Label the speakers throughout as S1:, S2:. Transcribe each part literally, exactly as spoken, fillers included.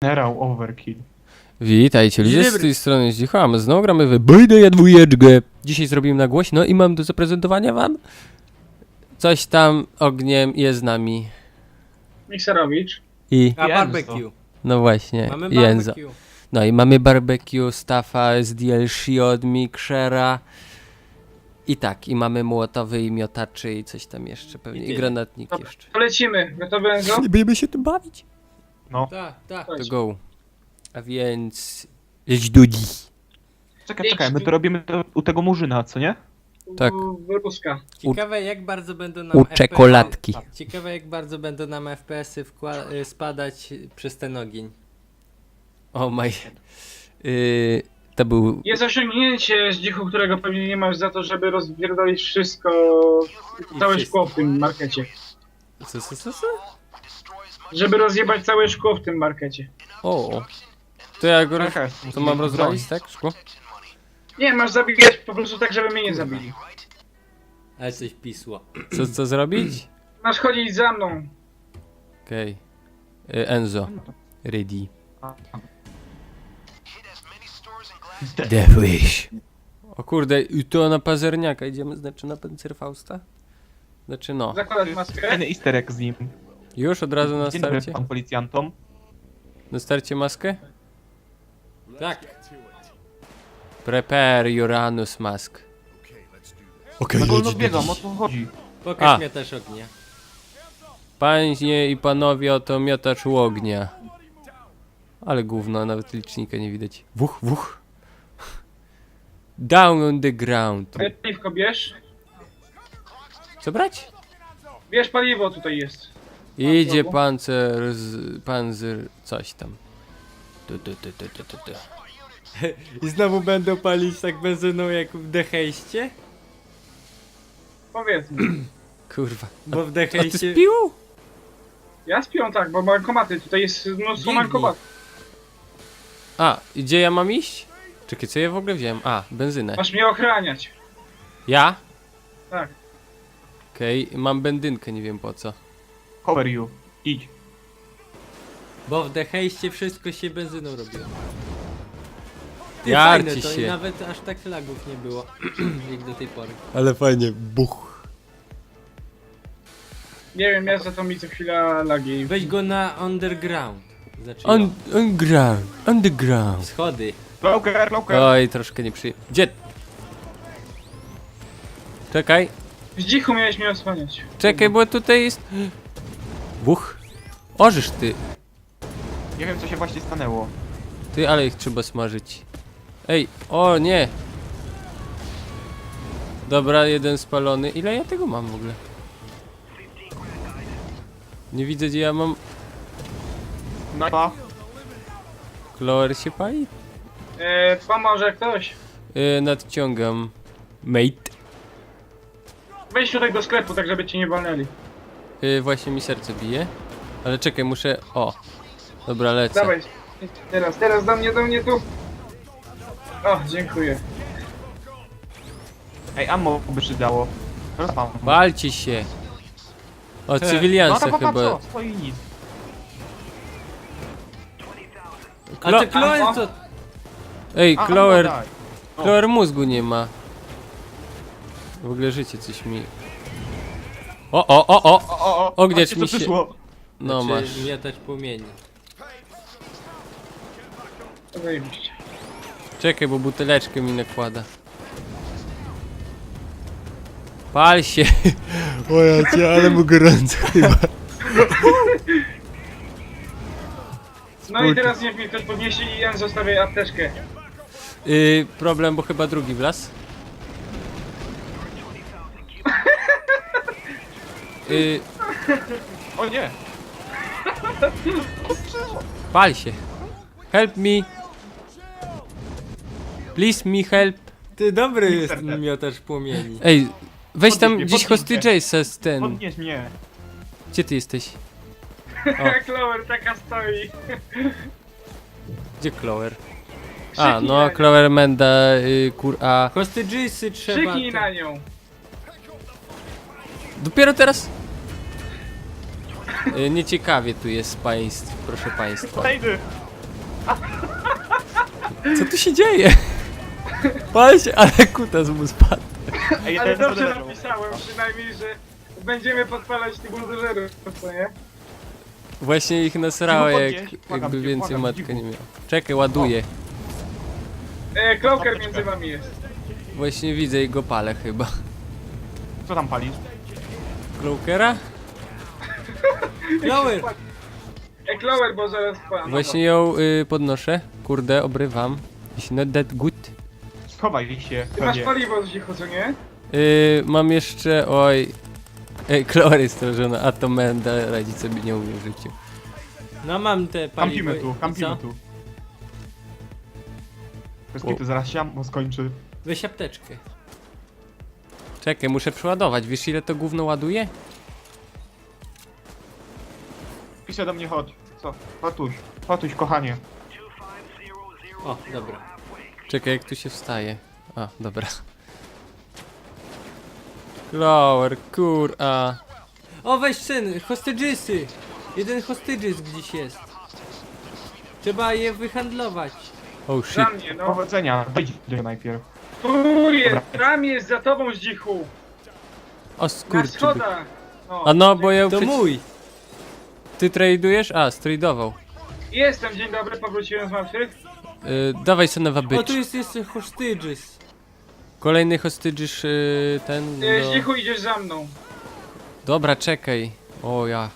S1: Generał Overkill.
S2: Witajcie ludzie, z
S3: Dobry.
S2: tej strony Zdzicham, znowu gramy w Bejdę dwójeczkę. Dzisiaj zrobimy na głośno i mam do zaprezentowania wam coś tam ogniem jest z nami.
S4: Mikserowicz.
S2: I,
S3: A
S1: Jenzo.
S3: barbecue.
S2: no właśnie,
S3: Mamy
S2: Jenzo.
S3: barbecue.
S2: No i mamy barbecue, Staffa z D L C od Mixera. I tak, i mamy młotowy i miotaczy i coś tam jeszcze pewnie, i,
S3: tyle.
S2: granatnik
S4: Dobra,
S2: jeszcze.
S4: to lecimy. Gotowy, Enzo?
S2: Nie będziemy się tym bawić?
S1: No.
S3: Tak, tak.
S2: To go. A więc... Idź dudzi.
S1: Czekaj, czekaj, my to robimy to u tego murzyna, co nie?
S2: Tak.
S4: U- Ruska.
S3: Ciekawe jak bardzo będą nam
S2: U
S3: F P S y
S2: czekoladki.
S3: Ciekawe jak bardzo będą nam F P S y wkła- y, spadać przez ten ogień.
S2: O maj... Yy, to był...
S4: Jest osiągnięcie z dzichu, którego pewnie nie masz za to, żeby rozpierdolić wszystko, całe
S3: wszystko.
S4: szkło w tym markecie.
S2: Co, co, co, co?
S4: Żeby rozjebać całe szkło w tym markecie.
S2: O, to ja go...
S1: Czekaj,
S2: To mam rozwalić, tak? Szkło?
S4: Nie, masz zabijać po prostu tak, żeby mnie nie zabili.
S3: Ale coś pisło.
S2: Co, co zrobić?
S4: Masz chodzić za mną.
S2: Okej. Okay. Enzo. Ready. Devilish. O kurde, i to na pazerniaka idziemy, znaczy na Panzerfausta? Znaczy no.
S4: Zakładać maskę.
S1: Fajny easter egg z nim.
S2: Już od razu na
S1: Dzień dobry
S2: starcie?
S1: pan policjantom.
S2: Na starcie maskę?
S3: Tak.
S2: Prepare Uranus mask. Okej,
S1: No, no wiedzą, o co chodzi.
S3: Pokaż
S2: A.
S3: mnie też ognia.
S2: Panie i panowie, oto miotacz ognia. Ale gówno, nawet licznika nie widać. Wuch, wuch. Down on the ground.
S4: Paliwko bierz.
S2: Co brać?
S4: Bierz paliwo, tutaj jest.
S2: Idzie
S4: Mam
S2: pancer z... panzer... coś tam. Tu, tu, tu, tu, tu, tu, tu.
S3: I znowu będą palić tak benzyną jak w Dehejście?
S4: Powiedzmy.
S2: Kurwa.
S3: Bo w
S2: A ty
S3: Dehejście...
S2: spił?
S4: Ja spią tak, bo bankomaty, tutaj jest mnóstwo
S3: Biegnij.
S4: bankomatów.
S2: A, i gdzie ja mam iść? Czekaj, co ja w ogóle wziąłem? A, benzynę.
S4: Masz mnie ochraniać.
S2: Ja?
S4: Tak.
S2: Okej, mam bendynkę, nie wiem po co.
S1: Cover you. Idź.
S3: Bo w Dehejście wszystko się benzyną robiło. Ty,
S2: Jarci
S3: fajne to
S2: się.
S3: i nawet aż tak lagów nie było, jak do tej pory.
S2: Ale fajnie, buch.
S4: Nie wiem, ja za to mi co chwila lagi.
S3: Weź go na underground. Znaczy
S2: On, on ground, underground.
S3: schody.
S1: Cloaker, cloaker.
S2: Oj, troszkę nie przy... Gdzie? Czekaj,
S4: Z dzichu miałeś mnie osłaniać.
S2: czekaj, bo tutaj jest... Buch. Ożysz ty.
S1: Nie wiem co się właśnie stanęło.
S2: Ty, ale ich trzeba smażyć. Ej, o nie. Dobra, jeden spalony. Ile ja tego mam w ogóle? Nie widzę, gdzie ja mam...
S1: Napa.
S2: Kloer się pali?
S4: E, pomoże ktoś.
S2: Yy, nadciągam. Mate.
S4: Wejdź tutaj do sklepu, tak żeby cię nie walnęli.
S2: Yy, właśnie mi serce bije. Ale czekaj, muszę... O. Dobra, lecę.
S4: Dawaj. Teraz, teraz do mnie, do mnie tu. O, dziękuję.
S1: Ej, ammo by przydało. Rozpam.
S2: Walcie się. O,
S1: No
S2: cywilianse
S1: to
S2: chyba.
S1: co? Stoi nic.
S3: A
S2: Klo-
S3: ty Kloen to...
S2: Ej,
S1: A,
S2: Kloer...
S1: ammo daj. O.
S2: Kloer mózgu nie ma. W ogóle życie coś mi... O, o, o, o!
S1: O, o, o.
S2: Ogniacz
S1: Patrzcie,
S2: mi
S1: co
S2: się-
S1: przyszło.
S2: No
S3: znaczy,
S2: masz.
S3: miotać płomieni.
S4: Zajebiście.
S2: Czekaj, bo buteleczkę mi nakłada. Pal się! O ja cię, ale mu gorąco chyba.
S4: No i teraz niech mnie ktoś podniesie i ja zostawię apteczkę.
S2: Yy, problem, bo chyba drugi wlazł. Yy,
S1: O nie.
S2: pal się. Help me. Please me help.
S3: Ty dobry jest
S1: Mixer.
S3: ten miotacz płomieni.
S2: Ej, weź
S1: Podnieś
S2: tam
S1: mnie,
S2: gdzieś
S1: podnieś
S2: hosty
S1: mnie.
S2: Jace'a z ten.
S1: Podnieś mnie.
S2: Gdzie ty jesteś?
S4: Jak Lower taka stoi.
S2: Gdzie Clover? A,
S4: Krzyknij
S2: no
S4: na-
S2: Clover Menda, y, kur... a...
S3: Hostagesy trzeba...
S4: Krzyknij
S3: te-
S4: na nią.
S2: Dopiero teraz? Y, nieciekawie tu jest państw, proszę państwa.
S1: Znajdy.
S2: Co tu się dzieje? Patrzcie, ale kutas mu spadł.
S1: Ej,
S4: Ale
S1: ten
S4: dobrze
S1: zależał.
S4: napisałem przynajmniej, że będziemy podpalać tych buldożerów, co nie?
S2: Właśnie ich nasrało,
S1: Cicho
S2: jak
S1: podnieś, błagam
S2: jakby
S1: cię,
S2: więcej
S1: błagam,
S2: matka
S1: cicho.
S2: nie miał. Czekaj, ładuję.
S4: E, Cloaker
S1: Apteczkę.
S4: między wami jest.
S2: Właśnie widzę i go palę chyba.
S1: Co tam palisz?
S2: Cloakera?
S3: Lower!
S4: E, Cloaker, bo zaraz pan.
S2: Właśnie ją y, podnoszę. Kurde, obrywam. It's not that good.
S1: Schowaj się,
S4: Ty masz
S1: pewnie.
S4: paliwo z cicho, co nie?
S2: Y, mam jeszcze, oj... Ej, Chloe jest stworzona, a to Menda radzić sobie nie umie w życiu.
S3: No mam te paliwo.
S1: Kampimy tu,
S3: i
S1: kampimy
S3: co?
S1: tu. Bez kitu, zaraz się bo skończy.
S3: Weź apteczkę.
S2: Czekaj, muszę przeładować. Wiesz ile to gówno ładuje?
S1: Pisze do mnie, chodź. Co? Fatuś, Fatuś, kochanie.
S3: O, dobra.
S2: Czekaj, jak tu się wstaje. A, dobra. Chloe, kur, a...
S3: O, weź syn, hostagesy! Jeden hostages gdzieś jest. Trzeba je wyhandlować.
S2: Oh shit.
S4: Za mnie, no.
S1: Powodzenia, wejdź do niego najpierw.
S4: Tu jest,
S1: Dobra.
S4: tam jest za tobą z dzichu.
S2: O
S4: Na
S2: skurczyby.
S4: schodach. No.
S2: A no, bo ja
S3: To
S2: przecież...
S3: mój!
S2: Ty tradujesz? A, stradował.
S4: Jestem, dzień dobry, powróciłem z martwych.
S2: Y, dawaj Sonowa
S3: O, tu
S2: bitch.
S3: jest jeszcze hostages.
S2: Kolejny hostages y, ten...
S4: E,
S2: No...
S4: z dzichu idziesz za mną.
S2: Dobra, czekaj. O ja.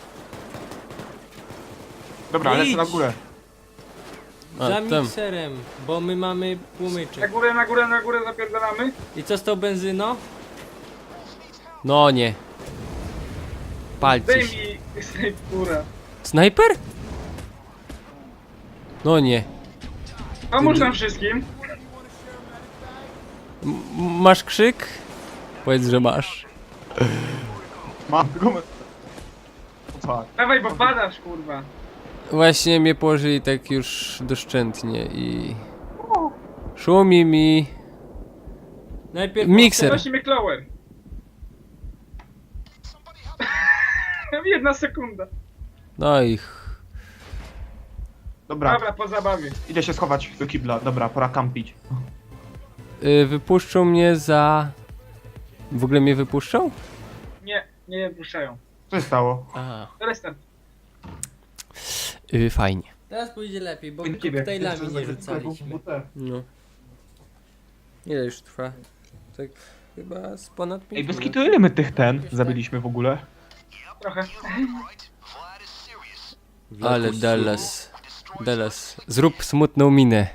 S1: Dobra,
S3: Idź.
S1: lecę na górę.
S2: A,
S3: Za
S2: tam.
S3: mikserem, bo my mamy
S4: Na
S3: płomyczek.
S4: górę, na górę, na górę zapierdalamy.
S3: I co z tą benzyną?
S2: No nie. Palcie
S4: Daj
S2: się.
S4: mi snajpura.
S2: Snajper? No nie.
S4: Pomóż nam wszystkim.
S2: M masz krzyk? Powiedz, że masz.
S1: Mam gumę. O tak.
S4: Dawaj, bo padasz, kurwa.
S2: Właśnie mnie położyli tak już doszczętnie i... Szumi mi...
S3: Najpierw
S2: Mikser.
S4: Prosimy Clower. Jedna sekunda.
S2: No i... ch-
S1: Dobra,
S4: Dobra, po zabawie.
S1: idę się schować do kibla. Dobra, pora kampić.
S2: Y, wypuszczą mnie za... W ogóle mnie wypuszczą?
S4: Nie, nie puszczają.
S1: Co się stało?
S2: Aha.
S4: Restart.
S2: Y, fajnie.
S3: Teraz pójdzie lepiej, bo
S1: Nie wiem,
S3: koktajlami
S1: jeszcze
S3: nie
S1: za-
S3: rzucaliśmy.
S2: No. Ile już trwa? Tak chyba z ponad pięć
S1: Ej, bez
S2: minut.
S1: kitu, ile my tych ten zabiliśmy w ogóle?
S4: Trochę.
S2: Ale Dallas. Dallas. Zrób smutną minę.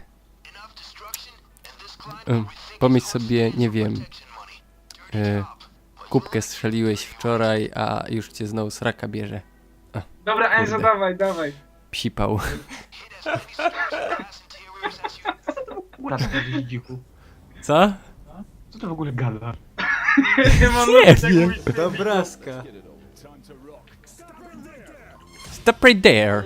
S2: Ym, Pomyśl sobie, nie wiem. Y, kubkę strzeliłeś wczoraj, a już cię znowu sraka bierze.
S4: Dobra, Enzo,
S2: Kurde.
S4: dawaj, dawaj.
S2: Psipał.
S1: Góra tak gdzieś dzichu.
S2: Co?
S1: Co to w ogóle gada?
S4: Nie mam
S2: Nie
S4: nic, jak
S2: wiem.
S4: mówić.
S3: To obrazka.
S2: Stop right there.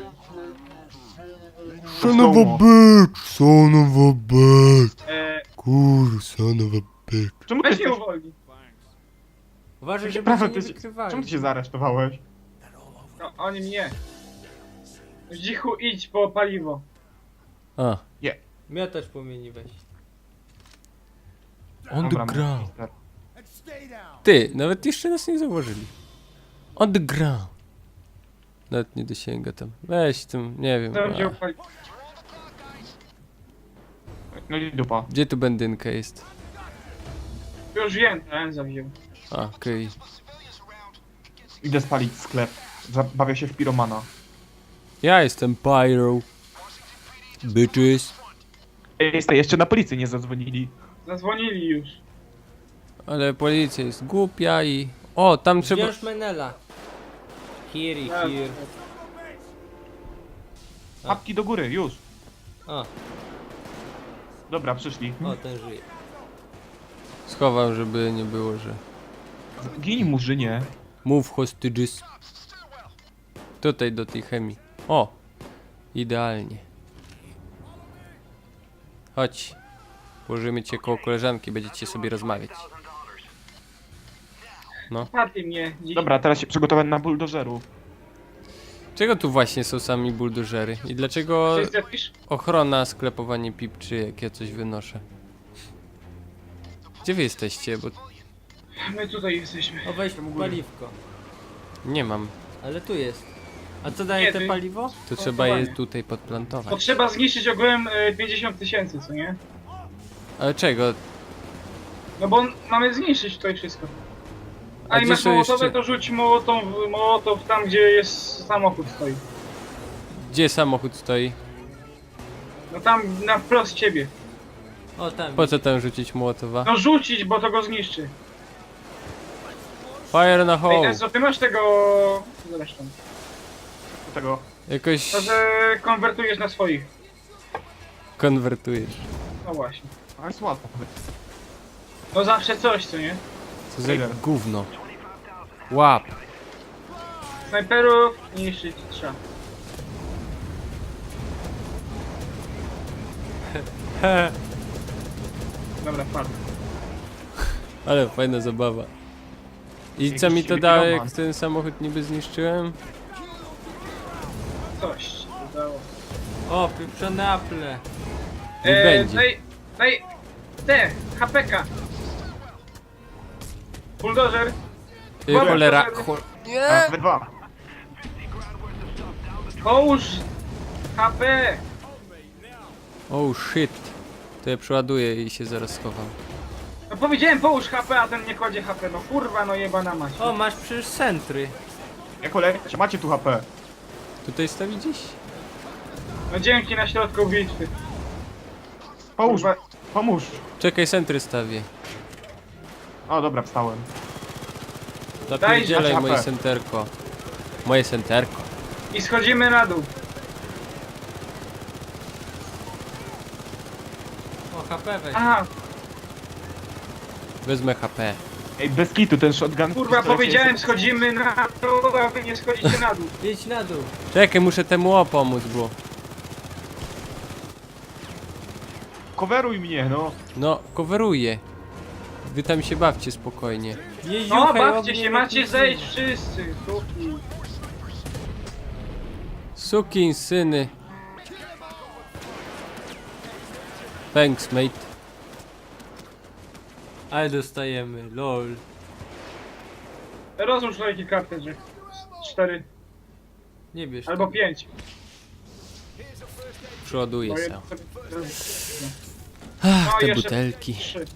S1: Son of a
S2: bitch, son of a bitch,
S4: E,
S2: kur, son of a bitch.
S1: Czemu ty
S4: weź mnie
S1: jesteś...
S4: uwolnij.
S3: Uważaj, żeby
S1: Prawo,
S3: się
S1: ty
S3: nie
S1: się-
S3: wykrywali.
S1: Czemu ty się zaaresztowałeś?
S4: No, oni mnie. Z dzichu idź po paliwo.
S2: A,
S3: Miotacz płomieni weź.
S2: on the
S1: Dobra,
S2: ground.
S1: mister.
S2: Ty, nawet jeszcze nas nie zauważyli. On the ground. Nawet nie dosięga tam. Weź tam, nie wiem.
S4: To wziął
S2: A,
S4: paliwo.
S1: No i dupa.
S2: gdzie tu bendynka jest?
S4: Już wiem, to Enzo wziął.
S2: A, okej.
S1: Idę spalić sklep. Zabawię się w piromana.
S2: Ja jestem pyro. Bitches.
S1: Ej, jeste, jeszcze na policję nie zadzwonili.
S4: Zadzwonili już.
S2: Ale policja jest głupia i... O, tam trzeba...
S3: Wziąć Menela. Here i
S4: Tak.
S3: here.
S1: Apki do góry, już.
S3: O,
S1: Dobra, przyszli.
S3: o, ten żyje.
S2: Schowam, żeby nie było, że...
S1: Gini murzynie.
S2: Move hostages. Tutaj do tej chemii. O! Idealnie. Chodź. Położymy cię koło koleżanki, będziecie sobie rozmawiać.
S4: Paty mnie. Dziś.
S1: Dobra, teraz się przygotować na buldożerów.
S2: Czego tu właśnie są sami buldożery? I dlaczego
S4: To jest jakiś...
S2: ochrona sklepowanie pipczy, jak ja coś wynoszę? Gdzie wy jesteście? Bo
S4: My tutaj jesteśmy.
S3: O, weź paliwko.
S2: nie mam.
S3: Ale tu jest. A co daje
S4: Nie,
S3: te
S4: ty-
S3: paliwo?
S2: To trzeba je
S4: Montowanie.
S2: tutaj podplantować.
S4: Potrzeba zniszczyć ogółem y, pięćdziesiąt tysięcy, co nie?
S2: Ale czego?
S4: No bo mamy zniszczyć tutaj wszystko.
S2: A
S4: A i
S2: gdzie
S4: masz
S2: są
S4: mołotowe,
S2: jeszcze-
S4: to rzuć mołotow, mołotow tam, gdzie jest samochód stoi.
S2: Gdzie samochód stoi?
S4: No tam na wprost ciebie.
S3: O, tam.
S2: Po co tam rzucić Mołotowa?
S4: No rzucić, bo to go zniszczy.
S2: Fire na
S4: Ej,
S2: hole!
S4: Enzo, ty masz tego... Zresztą.
S1: Do tego.
S2: Jakoś
S4: To, że konwertujesz na swoich.
S2: konwertujesz.
S4: No właśnie.
S1: Ale jest łatwo.
S4: No zawsze coś, co nie?
S2: Co za
S1: Trailer.
S2: gówno. Łap!
S4: Snajperów niszczyć trzeba. Dobra, padł.
S2: Ale fajna zabawa. I
S1: Jakiś
S2: co mi to dało,
S1: piroman.
S2: jak ten samochód niby zniszczyłem?
S4: Coś ci to dało.
S3: O, pieprzone aple.
S2: Nie będzie.
S4: Daj, daj, te, H P K. Bulldozer.
S2: Ty
S4: Dobra,
S2: cholera...
S4: to-
S2: Chol...
S1: A, we dwa.
S4: Połóż H P.
S2: Oh shit. To ja przeładuję i się zaraz schowam.
S4: No powiedziałem połóż H P, a ten nie kładzie H P. No kurwa, no jebana mać.
S3: O, masz przecież centry.
S1: Jak olejcie, macie tu H P.
S2: Tutaj stawi gdzieś?
S4: No dzięki na środku bitwy.
S1: Pomóż,
S4: Kurwa.
S1: pomóż.
S2: Czekaj, centry stawię.
S1: O, dobra, wstałem.
S2: Zapierdzielaj
S1: Daj
S2: moje
S1: H P.
S2: senterko. Moje senterko.
S4: I schodzimy na dół.
S3: O, H P weź.
S4: Aha,
S2: Wezmę H P.
S1: Ej, bez kitu, ten shotgun...
S4: kurwa,
S1: pistolet
S4: powiedziałem
S1: jest-
S4: schodzimy na dół, a wy nie schodzicie na dół.
S3: Jedź na dół.
S2: Czekaj, muszę temu o pomóc, bo...
S1: Coveruj mnie, no.
S2: No, coveruję. Wy tam się bawcie spokojnie.
S4: No,
S3: Jeździuchaj,
S4: bawcie
S3: ognie
S4: się, macie
S3: lotnicy.
S4: zejść wszyscy. Suki.
S2: Sukin syny. Thanks, mate.
S3: Ale dostajemy, lol.
S4: Rozłóż lejki kartridży. Cztery
S3: Nie bierz.
S4: albo pięć.
S2: Przeładuję
S4: Bo
S2: się.
S4: jedno-
S2: Ach,
S4: No,
S2: te
S4: jeszcze
S2: butelki.
S4: Trzy.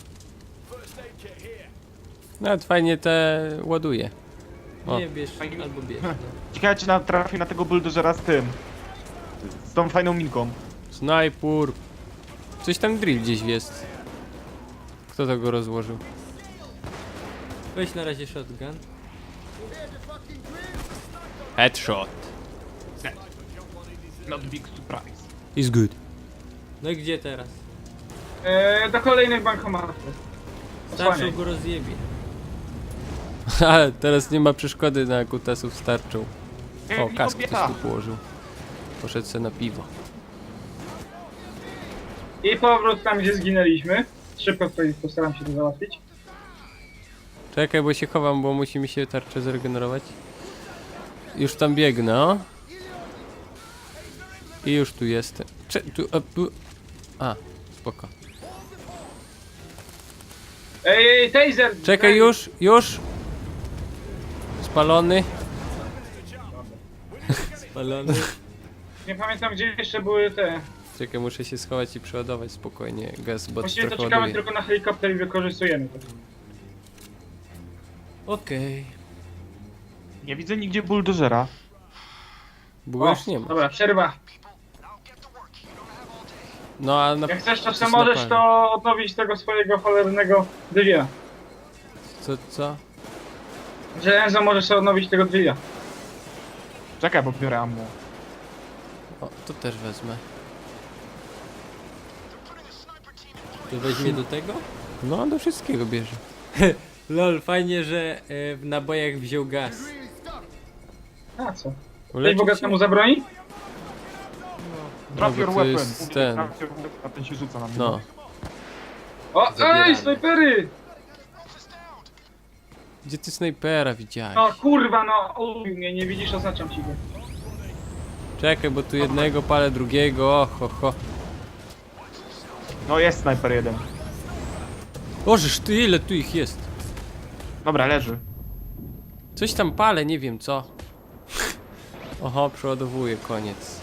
S2: Nawet fajnie te ładuje. O.
S3: Nie bierz, albo bierz. No.
S1: Ciekawe, czy natrafi na tego bulldozera z tym. Z tą fajną minką.
S2: Snajpur. Coś tam drill gdzieś jest. Kto to go rozłożył?
S3: Weź na razie shotgun.
S2: Headshot.
S1: Not big surprise.
S2: Is good.
S3: No i gdzie teraz?
S4: E, do kolejnych bankomatów.
S3: Starszą
S4: Osłaniaj.
S3: go rozjebie.
S2: Ale teraz nie ma przeszkody na kutasów starczą.
S1: Ej,
S2: O,
S1: mi
S2: kask
S1: kobieta.
S2: ktoś tu położył. Poszedł se na piwo.
S4: I powrót tam, gdzie zginęliśmy. Szybko tutaj postaram się to załatwić.
S2: Czekaj, bo się chowam, bo musi mi się tarczę zregenerować. Już tam biegnę, o. I już tu jestem. Cze tu, a, tu. A, spoko.
S4: Ej, ej, taser!
S2: Czekaj,
S4: Ej,
S2: już, już. Spalony.
S3: Spalony.
S4: Nie pamiętam, gdzie jeszcze były te.
S2: Czekaj, muszę się schować i przeładować spokojnie gaz, bo
S4: Właściwie to
S2: trochę
S4: czekamy
S2: ładuje.
S4: tylko na helikopter i wykorzystujemy to.
S3: Okej.
S1: Nie widzę nigdzie bulldozera.
S2: Bo już nie ma.
S4: Dobra, przerwa.
S2: No a na...
S4: Jak chcesz, to
S2: coś
S4: sobie możesz
S2: na
S4: to odnowić tego swojego cholernego drzwia.
S2: Co, co?
S4: Że Enzo możesz sobie odnowić tego drzwia.
S1: Czekaj, bo biorę ammo.
S2: O, to też wezmę.
S3: To weźmie do tego?
S2: No, do wszystkiego bierze.
S3: Lol, fajnie, że e, w nabojach wziął gaz.
S4: A co? Ktoś
S2: Uleczył
S4: bogatemu
S2: się?
S4: zabroni?
S1: Drop
S2: bo
S1: your
S2: to
S1: weapon.
S2: jest
S1: Mówię,
S2: ten.
S1: drop your weapon, a ten się rzuca na mnie.
S2: No.
S4: O,
S3: Zabieramy.
S4: ej, snajpery!
S2: Gdzie ty snajpera widziałeś?
S4: No kurwa, no, uj mnie, nie widzisz, oznaczam ci go.
S2: Czekaj, bo tu jednego palę, drugiego, o, ho, ho.
S1: No jest snajper jeden.
S2: Bożeż, ty ile tu ich jest?
S1: Dobra, leży.
S2: Coś tam palę, nie wiem co. Oho, przeładowuję, koniec.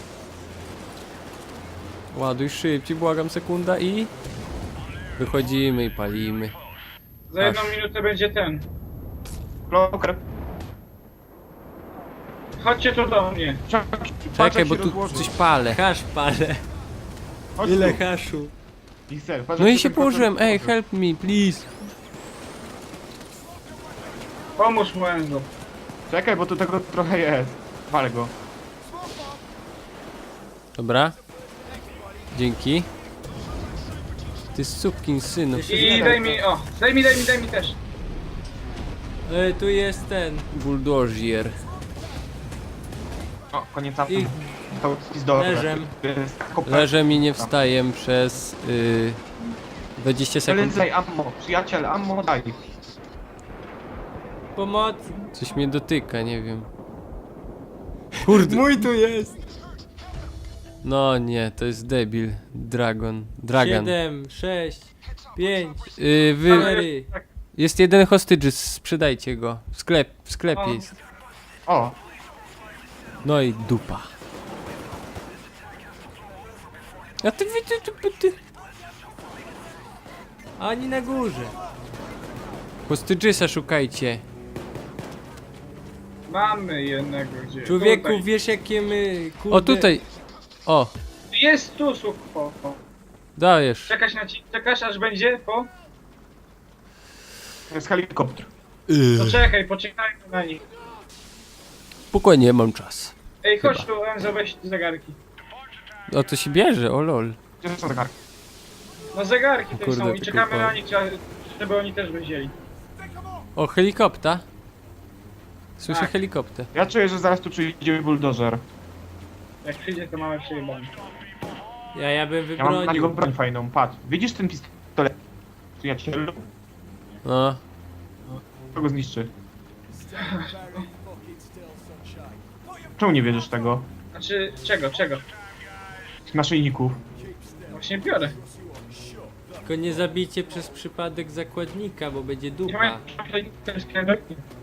S2: Ładuj szybciej, błagam, sekunda i... Wychodzimy i palimy.
S4: Za jedną minutę będzie ten.
S1: Bloker.
S4: Chodźcie tu do mnie.
S2: Czekaj, bo tu coś palę.
S3: Hasz palę.
S1: Chodź
S3: Ile
S1: tu.
S3: haszu?
S1: Pixel, patrz,
S2: No
S1: jak
S2: i się
S1: ten
S2: położyłem,
S1: koncert
S2: ej,
S1: otworzy.
S2: help me, please.
S4: Pomóż mu, Enzo.
S1: Czekaj, bo tu tego trochę jest. Walę go.
S2: Dobra. Dzięki. Ty sukin synu.
S4: I daj mi, o, daj mi, daj mi, daj mi też.
S3: E, tu jest ten.
S2: Bulldozier.
S1: O, koniec
S3: I
S1: I... To jest dobre.
S3: leżem.
S1: To jest kopert.
S2: Leżę i nie wstaję przez y, dwadzieścia sekund.
S1: Daj ammo, przyjaciel, ammo daj.
S3: Pomoc.
S2: Coś mnie dotyka, nie wiem. Kurde.
S3: Mój tu jest.
S2: No nie, to jest debil. Dragon. Dragon.
S3: Siedem, sześć, pięć,
S2: Y, wy...
S3: cztery.
S2: Jest jeden hostage, sprzedajcie go. W sklep, w sklepie
S4: O.
S2: jest.
S1: O,
S2: No i dupa. A ty wy ty, ty, ty.
S3: Ani na górze.
S2: Hostage'sa szukajcie.
S4: Mamy jednego gdzie.
S3: Człowieku,
S4: Tutaj.
S3: wiesz jakie my kurde...
S2: O tutaj. O,
S4: Jest tu, słuch, po, po.
S2: dajesz.
S4: Czekasz na ci, czekasz aż będzie, po?
S1: to jest helikopter.
S4: To czekaj, poczekajmy na nich.
S2: Spokojnie, mam czas.
S4: Ej, chodź tu, Enzo, weź zegarki.
S2: O, to się bierze, o lol.
S1: Gdzie są zegarki?
S4: No zegarki
S2: O
S4: tutaj
S2: kurde,
S4: są i
S2: tylko
S4: czekamy
S2: po-
S4: na nich, trzeba- żeby oni też wzięli.
S2: O, helikopter. Słyszę
S4: Tak.
S2: helikopter.
S1: Ja czuję, że zaraz tu przyjdzie buldożer.
S4: Jak przyjdzie, to mamy przejebane.
S3: Ja, ja bym
S1: Ja mam na niego
S3: wybronił.
S1: broń fajną, patrz. Widzisz ten pistolet? Przyjacielu?
S2: No.
S1: Kto go zniszczy? Czemu nie bierzesz tego?
S4: Znaczy, czego, czego?
S1: Tych naszyjników.
S4: Właśnie biorę.
S3: Tylko nie zabijcie przez przypadek zakładnika, bo będzie
S4: Nie
S3: dupa.
S4: mają ten sklepek.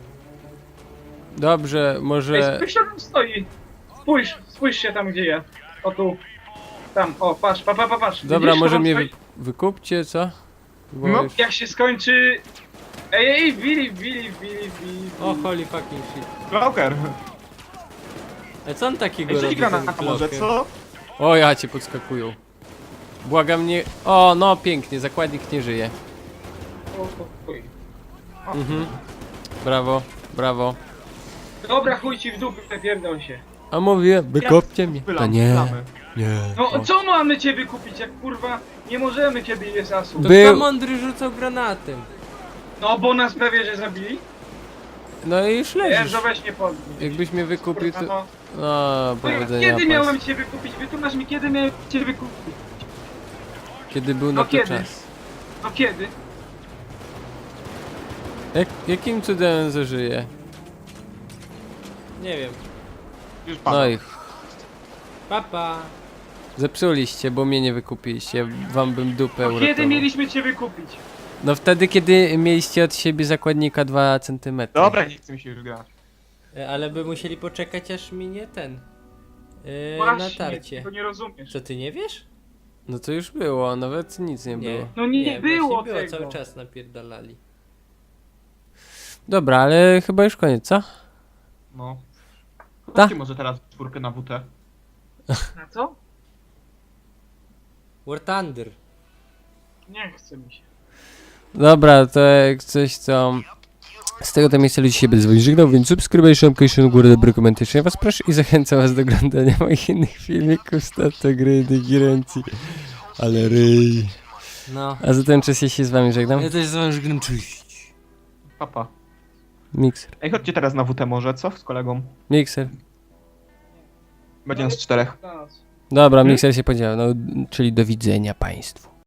S2: Dobrze,
S4: Ej,
S2: może...
S4: spójrz, co tam stoi. Spójrz, spójrz się tam, gdzie ja. O tu. Tam, o, patrz, pa, pa, pa, patrz.
S2: Dobra,
S4: Widzisz,
S2: może
S4: to tam
S2: mnie
S4: stoi?
S2: wy... wykupcie, co? Bo
S1: No.
S2: już...
S4: Jak się skończy... Ej, ej, Willy, Willy, Willy, Willy.
S3: O, holy fucking shit.
S1: Bloker!
S3: A co on takiego
S1: Ej,
S3: robi,
S1: rzuć granat
S3: ten
S1: może,
S3: bloker?
S1: co?
S2: O, ja cię podskakują. Błagam nie... O, no pięknie, zakładnik nie żyje.
S4: O, o, chuj.
S2: Mhm. Brawo, brawo.
S4: Dobra, chuj ci w dupę, pierdol się.
S2: A mówię, wykopcie mnie. To
S1: Pylam,
S2: nie,
S1: pylamy.
S2: nie.
S4: No, co mamy ciebie kupić, jak kurwa nie możemy, kiedy jest asu?
S3: To
S2: Był-
S3: kto mądry rzucał granatem?
S4: No, bo nas prawie, że zabili.
S2: No i już leżysz.
S4: Enzo, weź nie podnieś.
S2: Jakbyś mnie wykupił,
S4: Kurwa,
S2: to...
S4: no.
S2: No,
S4: No,
S2: powodzenia
S4: kiedy
S2: pas.
S4: miałem cię wykupić? Wytłumacz mi, kiedy miałem cię wykupić?
S2: Kiedy był na
S4: No
S2: to
S4: kiedy?
S2: czas.
S4: No kiedy?
S2: Jak, jakim cudem zażyje?
S3: Nie wiem.
S1: Już pada.
S2: No i
S3: Papa.
S2: zepsuliście, bo mnie nie wykupiliście. Wam bym dupę
S4: No,
S2: uratował.
S4: kiedy mieliśmy cię wykupić?
S2: No wtedy, kiedy mieliście od siebie zakładnika dwa centymetry.
S1: Dobra, nie chcę mi się już grać.
S3: E, Ale by musieli poczekać aż minie ten. E,
S4: Właśnie,
S3: natarcie.
S4: to nie rozumiesz.
S3: Co ty nie wiesz?
S2: No to już było, nawet nic nie, było.
S4: No nie,
S3: właśnie
S4: było
S3: było,
S4: tego.
S3: cały czas napierdalali.
S2: Dobra, ale chyba już koniec, co?
S1: No.
S2: Ta.
S1: Chodźcie może teraz czwórkę na W T.
S4: Na co?
S3: War Thunder.
S4: Nie chce mi się.
S2: Dobra, to jak coś, co... Z tego to miejsca ludzi się będę z wami żegnał, więc subskrybuj, szamkaj, górę, dobry komentarz. Ja was proszę i zachęcam was do oglądania moich innych filmików z tato gry, girencji. Ale ryj.
S3: No.
S2: A za ten czas ja się z wami żegnam.
S3: Ja też z wami żegnam, cześć.
S1: Papa.
S2: Mikser.
S1: Ej, chodźcie teraz na W T może, co? Z kolegą.
S2: Mikser.
S1: Będzie nas czterech.
S4: Dla nas.
S2: Dobra, mikser się podział, no, czyli do widzenia państwu.